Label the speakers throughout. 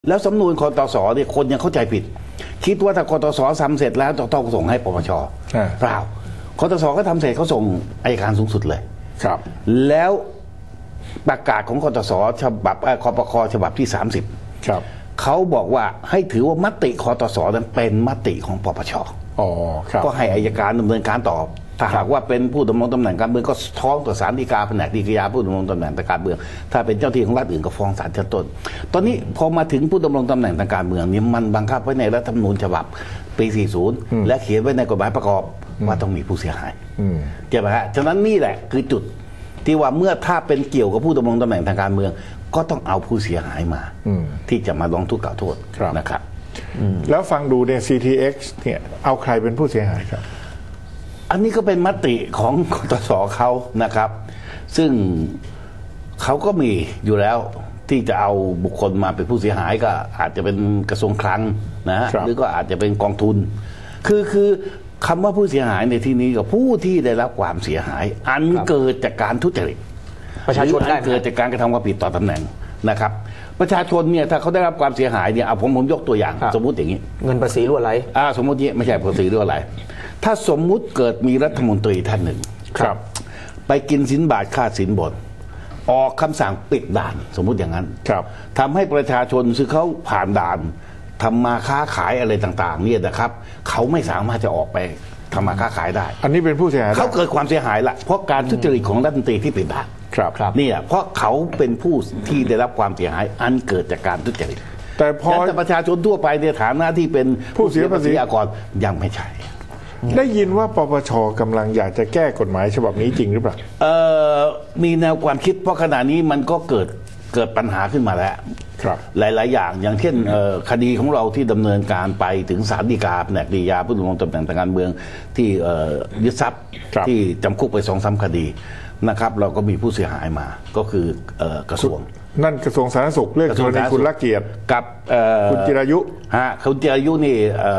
Speaker 1: แล้วสำนวนคตสเนี่ยคนยังเข้าใจผิดคิดว่าถ้าคตสทำเสร็จแล้วต้องส่งให้ปปชเปล่าคตสก็ทำเสร็จเขาส่งอัยการสูงสุดเลย
Speaker 2: ครับ
Speaker 1: แล้วประกาศของคตสฉบับคปคฉบับที่30
Speaker 2: ครับ
Speaker 1: เขาบอกว่าให้ถือว่ามติคตสนั้นเป็นมติของปปช
Speaker 2: อ๋อครับ
Speaker 1: ก็ให้อัยการดำเนินการต่อถ้าหากว่าเป็นผู้ดำรงตำแหน่งการเมืองก็ท้องต่อศาลฎีกาแผนกฎีกาผู้ดำรงตำแหน่งทางการเมืองถ้าเป็นเจ้าที่ของรัฐอื่นก็ฟ้องศาลชั้นต้นตอนนี้พอมาถึงผู้ดำรงตำแหน่งทางการเมืองนี่มันบังคับไว้ในรัฐธรรมนูญฉบับปี40และเขียนไว้ในกฎหมายประกอบว่าต้องมีผู้เสียหายใช่ไหมฮะฉะนั้นนี่แหละคือจุดที่ว่าเมื่อถ้าเป็นเกี่ยวกับผู้ดำรงตำแหน่งทางการเมืองก็ต้องเอาผู้เสียหายมาที่จะมาร้องทุกข์กล่าวโทษนะครับ
Speaker 2: แล้วฟังดูเนี่ย CTX เนี่ยเอาใครเป็นผู้เสียหายครับ
Speaker 1: อันนี้ก็เป็นมติของคตสเขานะครับซึ่งเขาก็มีอยู่แล้วที่จะเอาบุคคลมาเป็นผู้เสียหายก็อาจจะเป็นกระทรวงคลังนะฮะหรือก็อาจจะเป็นกองทุนคือคำว่าผู้เสียหายในที่นี้ก็ผู้ที่ได้รับความเสียหายอันเกิดจากการทุจริต
Speaker 3: ประชาชนได้
Speaker 1: เกิดจากการกระทำความผิดต่อตำแหน่งนะครับประชาชนเนี่ยถ้าเขาได้รับความเสียหายเนี่ยเอาผมยกตัวอย่างสมมุติอย่างนี้
Speaker 3: เงินภาษีรั่วไหล
Speaker 1: สมมุตินี้ไม่ใช่ภาษีรั่วไหลถ้าสมมุติเกิดมีรัฐมนตรีท่านหนึ่ง
Speaker 2: ครับ
Speaker 1: ไปกินสินบาทค่าสินบนออกคำสั่งปิดด่านสมมุติอย่างนั้น
Speaker 2: ครับ
Speaker 1: ทำให้ประชาชนซึ่งเขาผ่านด่านทำมาค้าขายอะไรต่างๆเนี่ยนะครับเขาไม่สามารถจะออกไปทำมาค้าขายได้
Speaker 2: อันนี้เป็นผู้เสียหาย
Speaker 1: เขาเกิดความเสียหายละเพราะการทุจริตของรัฐมนตรีที่ปิดด่าน
Speaker 2: ครับ
Speaker 1: นี่แหละเพราะเขาเป็นผู้ที่ได้รับความเสียหายอันเกิดจากการทุจริต
Speaker 2: แต่พอ
Speaker 1: ประชาชนทั่วไปในฐานะที่เป็น
Speaker 2: ผู้เสียภาษี
Speaker 1: อากรยังไม่ใช่
Speaker 2: ได้ยินว่าปปชกำลังอยากจะแก้กฎหมายฉบับนี้จริงหรือเปล่า
Speaker 1: มีแนวความคิดเพราะขณะนี้มันก็เกิดปัญหาขึ้นมาแล้วหลายๆอย่างเช่นคดีของเราที่ดำเนินการไปถึงศาลฎีกาแผนกฎีกาผู้ดำรงตำแหน่งทางการเมืองที่ยึดทรัพย์ที่จำคุกไป2-3 คดีนะครับเราก็มีผู้เสียหายมาก็คือกระทรวง
Speaker 2: นั่นกระทรวงสาธารณสุขเรื่องกรณีคุณลักเกียรติ
Speaker 1: กับ
Speaker 2: คุณจิรายุ
Speaker 1: คุณจิรายุนี่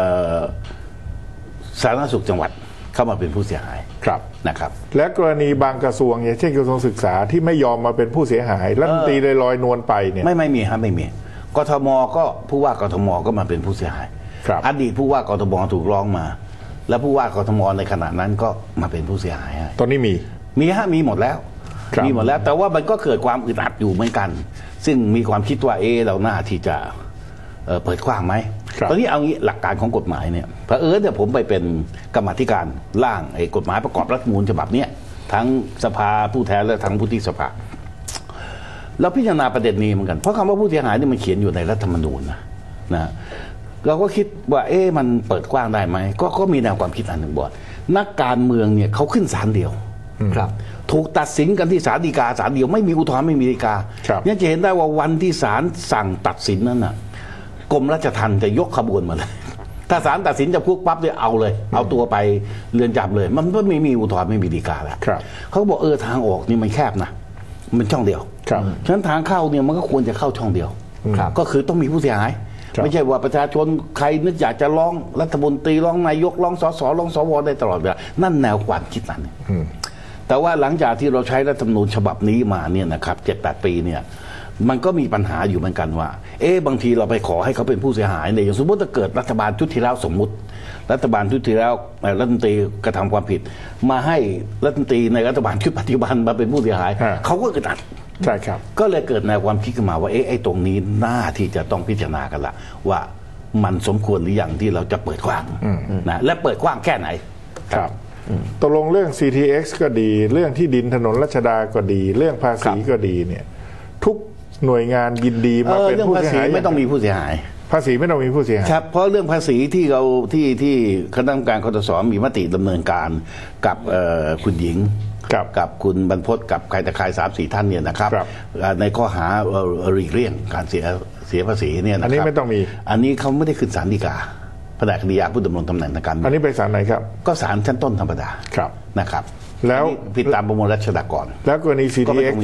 Speaker 1: สาธารณสุขจังหวัดเข้ามาเป็นผู้เสียหายนะครับ
Speaker 2: และกรณีบางกระทรวงอย่างเช่นกระทรวงศึกษาที่ไม่ยอมมาเป็นผู้เสียหายรัฐมนตรีเลยลอยนวลไปเนี่ย
Speaker 1: ไม่มีครับไม่มีกทมก็ผู้ว่ากทมก็มาเป็นผู้เสียหายอดีตผู้ว่ากทมถูกร้องมาแล้วผู้ว่ากทมในขณะนั้นก็มาเป็นผู้เสียหาย
Speaker 2: ตอนนี้
Speaker 1: มีหมดแล้วแต่ว่ามันก็เกิดความอึดอัดอยู่เหมือนกันซึ่งมีความคิดว่าเราหน้าที่จะเปิดกว้างไหมตอนนี้เอางี้หลักการของกฎหมายเนี่ยเผอิญเนี่ยผมไปเป็นกรรมาธิการร่างกฎหมายประกอบรัฐธรรมนูญฉบับนี้ทั้งสภาผู้แทนและทั้งวุฒิสภาเราพิจารณาประเด็นนี้เหมือนกันเพราะคำว่าผู้เสียหายนี่มันเขียนอยู่ในรัฐธรรมนูญนะเราก็คิดว่ามันเปิดกว้างได้ไหมก็มีแนวความคิดอันหนึ่งบอกนักการเมืองเนี่ยเขาขึ้นศาลเดียวถูกตัดสินกันที่ศาลฎีกาศาลเดียวไม่มีอุทธรณ์ไม่มีฎีกาเนี่ยจะเห็นได้ว่าวันที่ศาลสั่งตัดสินนั้นน่ะกรมราชทัณฑ์จะยกขบวนมาเลยถ้าศาลตัดสินจะคุกปั๊บเนี่ยเอาเลยเอาตัวไปเรือนจำเลยมันไม่มีอุทธรณ์ไม่มีฎีกาแล้วเขาบอกทางออกนี่มันแคบนะมันช่องเดียวฉะนั้นทางเข้าเนี่ยมันก็ควรจะเข้าช่องเดียวก็คือต้องมีผู้เสียหายไม่ใช่ว่าประชาชนใครนึกอยากจะร้องรัฐมนตรีร้องนายกร้องสสร้องสวได้ตลอดเวลานั่นแนวความคิดนั้นแต่ว่าหลังจากที่เราใช้รัฐธรรมนูญฉบับนี้มาเนี่ยนะครับ7-8 ปีเนี่ยมันก็มีปัญหาอยู่เหมือนกันว่าบางทีเราไปขอให้เขาเป็นผู้เสียหายเนี่ยอย่างสมมติถ้าเกิดรัฐบาลชุดที่แล้วสมมุติรัฐบาลชุดที่แล้วรัฐมนตรีกระทำความผิดมาให้รัฐมนตรีในรัฐบาลชุดปัจจุบันมาเป็นผู้เสียหายเขาก็กระตัด
Speaker 2: ใช่ครับ
Speaker 1: ก็เลยเกิดแนวความคิดขึ้นมาว่าตรงนี้น่าที่จะต้องพิจารณากันละว่ามันสมควรหรือยังที่เราจะเปิดกว้างนะและเปิดกว้างแค่ไหน
Speaker 2: ครับตกลงเรื่อง CTX ก็ดีเรื่องที่ดินถนนรัชดาก็ดีเรื่องภาษีก็ดีเนี่ยทุกหน่วยงานยินดีมาเป็นผู้เสียหาย
Speaker 1: ไม่ต้องมีผู้เสียหาย
Speaker 2: ภาษีไม่ต้องมีผู้เสียหาย
Speaker 1: ครับเพราะเรื่องภาษีที่เราที่คณะกรรมการคตสมีมติดำเนินการกับคุณหญิงกับคุณบรรพตกับใครแต่ใคร3-4 ท่านเนี่ยนะครับในข้อหาหลีกเลี่ยงการเสียภาษีเนี่ยนะครับ
Speaker 2: อันนี้ไม่ต้องมี
Speaker 1: อันนี้เขาไม่ได้ขึ้นศาลฎีกาแผนกคดีอาญาผู้ดำรงตำแหน่งทางการเมือง
Speaker 2: อันนี้ไปศาลไหนครับ
Speaker 1: ก็ศาลชั้นต้นธรรมดานะครับ
Speaker 2: แล้ว
Speaker 1: ผิดตามประมวลรัชดากร
Speaker 2: แล้วกรณี CTX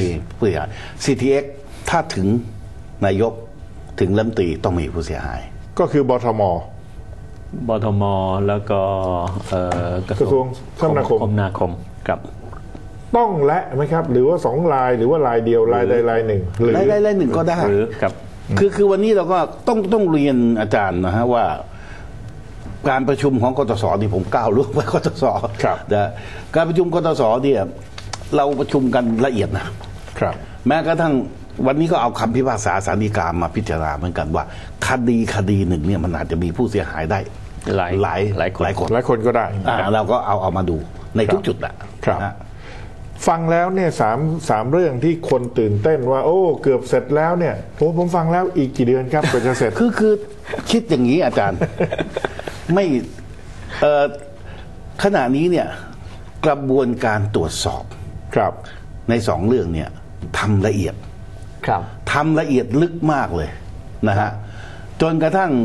Speaker 1: CTX ถ้าถึงนายกถึงรัฐมนตรีต้องมีผู้เสียหาย
Speaker 2: ก็คือบทม
Speaker 3: แล้วก็
Speaker 2: กระทรวงคม
Speaker 3: นาคมครับ
Speaker 2: ต้องและไหมครับหรือว่า2 ลายหรือว่าลายเดียวลายใดลายหนึ่ง
Speaker 1: หรือลายหนึ่งก็ได้
Speaker 3: หรือกับ
Speaker 1: คือวันนี้เราก็ต้องเรียนอาจารย์นะฮะว่าการประชุมของกตสนี่ผมก้าวล่วงไปกตสนะการประชุมกตสเนี่ยเราประชุมกันละเอียดนะครับแม้กระทั่งวันนี้ก็เอาคำพิพากษาศาลฎีกามาพิจารณาเหมือนกันว่าคดีหนึ่งเนี่ยมันอาจจะมีผู้เสียหายได้หลายคน
Speaker 2: ก็ได้
Speaker 1: เราก็เอามาดูในทุกจุดนะครับ
Speaker 2: ฟังแล้วเนี่ยสามเรื่องที่คนตื่นเต้นว่าโอ้เกือบเสร็จแล้วเนี่ยผมฟังแล้วอีกกี่เดือนครับกว่าจะเสร็จ
Speaker 1: คือคิดอย่างนี้อาจารย์ ไม่ขณะนี้เนี่ยกระบวนการตรวจสอบ
Speaker 2: ครับ
Speaker 1: ในสองเรื่องเนี่ยทำละเอียดทำละเอียดลึกมากเลยนะฮะจนกระทั่ง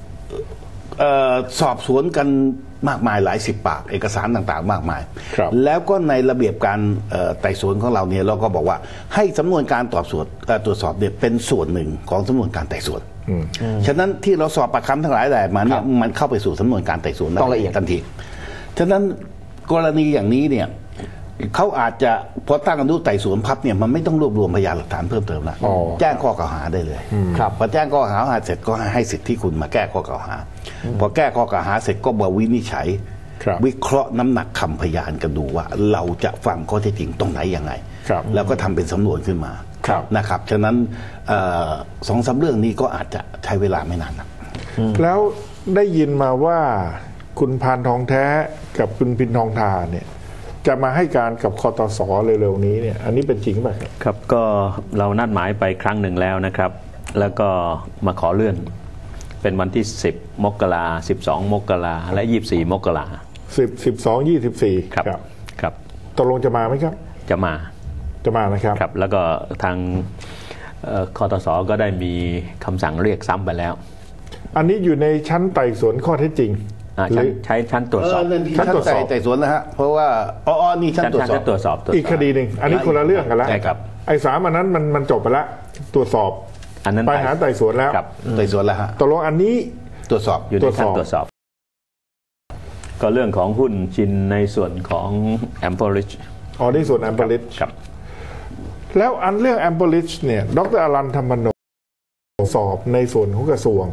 Speaker 1: สอบสวนกันมากมายหลายสิบปากเอกสารต่างๆมากมายแล้วก็ในระเบียบการไต่สวนของเราเนี่ยเราก็บอกว่าให้สำนวนการตรวจสอบเนี่ยเป็นส่วนหนึ่งของสำนวนการไต่สวนฉะนั้นที่เราสอบปากคำทั้งหลายแหล่มาเนี่ยมันเข้าไปสู่สำนวนการไต่สวน
Speaker 3: ต้องละเอียด
Speaker 1: ทันทีฉะนั้นกรณีอย่างนี้เนี่ยเขาอาจจะพอตั้งอนุไต่สวนพับเนี่ยมันไม่ต้องรวบรวมพยานหลักฐานเพิ่มเติมแล้วแจ้งข้อกล่าวหาได้เลยพอแจ้งข้อกล่าวหาเสร็จก็ให้สิทธิ์ที่คุณมาแก้ข้อกล่าวหาพอแก้ข้อกล่าวหาเสร็จก็มาวินิจฉัยวิเคราะห์น้ำหนักคำพยานกันดูว่าเราจะฟังข้อเท็จจริงตรงไหนยังไงแล้วก็ทำเป็นสำนวนขึ้นมานะครับฉะนั้น2-3เรื่องนี้ก็อาจจะใช้เวลาไม่นานนะ
Speaker 2: แล้วได้ยินมาว่าคุณพานทองแท้กับคุณพินทองทาเนี่ยจะมาให้การกับคตส.เร็วๆนี้เนี่ยอันนี้เป็นจริงไหม
Speaker 3: ครับก็เรานัดหมายไปครั้งหนึ่งแล้วนะครับแล้วก็มาขอเลื่อนเป็นวันที่10 มกราคม12 มกราคมและ24 มกราค
Speaker 2: ม12 24
Speaker 3: ครับ
Speaker 2: ตกลงจะมาไหมครับ
Speaker 3: จะมา
Speaker 2: นะครับ
Speaker 3: ครับแล้วก็ทางคตส.ก็ได้มีคำสั่งเรียกซ้ำไปแล้ว
Speaker 2: อันนี้อยู่ในชั้นไต่สวนข้อเท็จจริง
Speaker 3: ใช้ชั้นตรวจสอบ
Speaker 1: ชั้นตรวจสอบไต่สวนนะฮะเพราะว่านี่ชั้นตรวจสอบ
Speaker 2: อีกคดีหนึ่งอันนี้คนละเรื่องกันแล้วไอ้3อันนั้นมันจบไปแล้วตรวจสอบ
Speaker 3: อันนั้น
Speaker 2: ไปหาไต่สวนแล้ว
Speaker 1: ไต่สวนแล้วฮะ
Speaker 2: ตกลงอันนี้
Speaker 1: ตรวจสอบ
Speaker 3: อยู่ในขั้นตรวจสอบก็เรื่องของหุ้นชินในส่วนของ Amberlitch
Speaker 2: ในส่วน Amberlitch
Speaker 3: ครับ
Speaker 2: แล้วอันเรื่อง Amberlitch เนี่ยดร.อรันธรรมโนสอบในส่วนของกระทรวง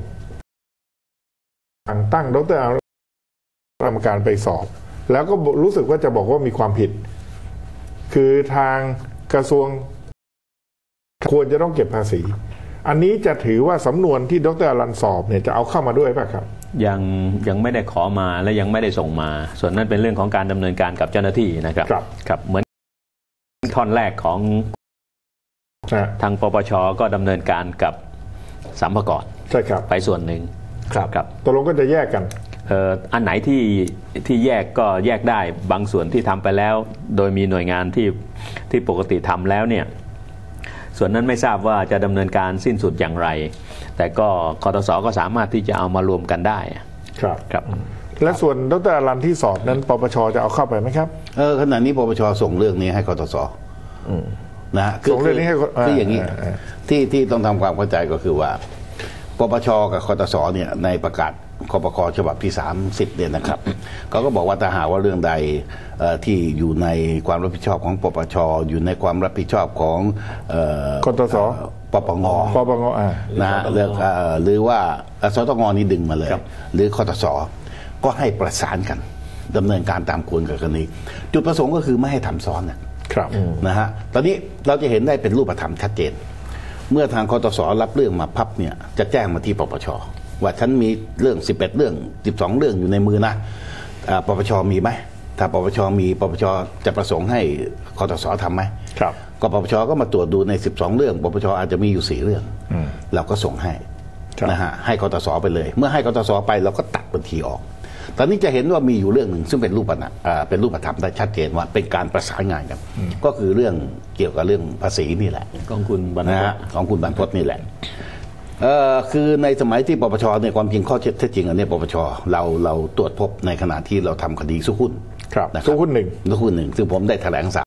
Speaker 2: ตั้งดร.กรรมการไปสอบแล้วก็รู้สึกว่าจะบอกว่ามีความผิดคือทางกระทรวงควรจะต้องเก็บภาษีอันนี้จะถือว่าสำนวนที่ดร.อรันสอบเนี่ยจะเอาเข้ามาด้วยป่ะครับ
Speaker 3: ยังไม่ได้ขอมาและยังไม่ได้ส่งมาส่วนนั้นเป็นเรื่องของการดำเนินการกับเจ้าหน้าที่นะครับครับเหมือนท่อนแรกของทางปปช.ก็ดำเนินการกับสรรพากร
Speaker 2: ใช่ครับ
Speaker 3: ไปส่วนหนึ่ง
Speaker 2: ครับตกลงก็จะแยกกัน
Speaker 3: อันไหนที่แยกก็แยกได้บางส่วนที่ทำไปแล้วโดยมีหน่วยงานที่ปกติทำแล้วเนี่ยส่วนนั้นไม่ทราบว่าจะดำเนินการสิ้นสุดอย่างไรแต่ก็คตส.ก็สามารถที่จะเอามารวมกันได้
Speaker 2: ครับและส่วนดร.อรันที่สอบนั้นปปช.จะเอาเข้าไปไหมครับ
Speaker 1: ขณะนี้ปปช.ส่งเรื่องนี้ให้คตส.นะ
Speaker 2: ส่งเรื่องนี้ให้
Speaker 1: คืออย่างนี้ที่ต้องทำความเข้าใจก็คือว่าปปช.กับคตส.เนี่ยในประกาศคปค.ฉบับที่30เนี่ยนะครับเขาก็บอกว่าถ้าหากว่าเรื่องใดที่อยู่ในความรับผิดชอบของปปช.อยู่ในความรับผิดชอบของ
Speaker 2: คตส.
Speaker 1: ปปง.นะหรือว่าสตง.นี่ดึงมาเลยหรือคตส.ก็ให้ประสานกันดำเนินการตามควรกับกรณีจุดประสงค์ก็คือไม่ให้ทำซ้อนนะฮะตอนนี้เราจะเห็นได้เป็นรูปธรรมชัดเจนเมื่อทางคตส.รับเรื่องมาพับเนี่ยจะแจ้งมาที่ปปช.ว่าฉันมีเรื่อง11เรื่อง12เรื่องอยู่ในมือนะปปช.มีไหมถ้าปปช.มีปปช.จะประสงค์ให้คตส.ทำไหม
Speaker 2: ครับ
Speaker 1: ก็ปปช.ก็มาตรวจดูใน12เรื่องปปช.อาจจะมีอยู่4เรื่องเราก็ส่งให้นะฮะให้คตส.ไปเลยเมื่อให้คตส.ไปเราก็ตัดบัญชีออกตอนนี้จะเห็นว่ามีอยู่เรื่องหนึ่งซึ่งเป็นรูปธรรมได้ชัดเจนว่าเป็นการประสานงานกันก็คือเรื่องเกี่ยวกับเรื่องภาษีนี่แหละ
Speaker 3: ของคุณบรรพต
Speaker 1: ของคุณบรรพตนี่แหละคือในสมัยที่ปปช.เนี่ยความจริงข้อเท็จจริงอันนี้ปปช.เราตรวจพบในขณะที่เราทำคดีสู้หุ้น
Speaker 2: สู้หุ้นหนึ่ง
Speaker 1: ซึ่งผมได้แถลง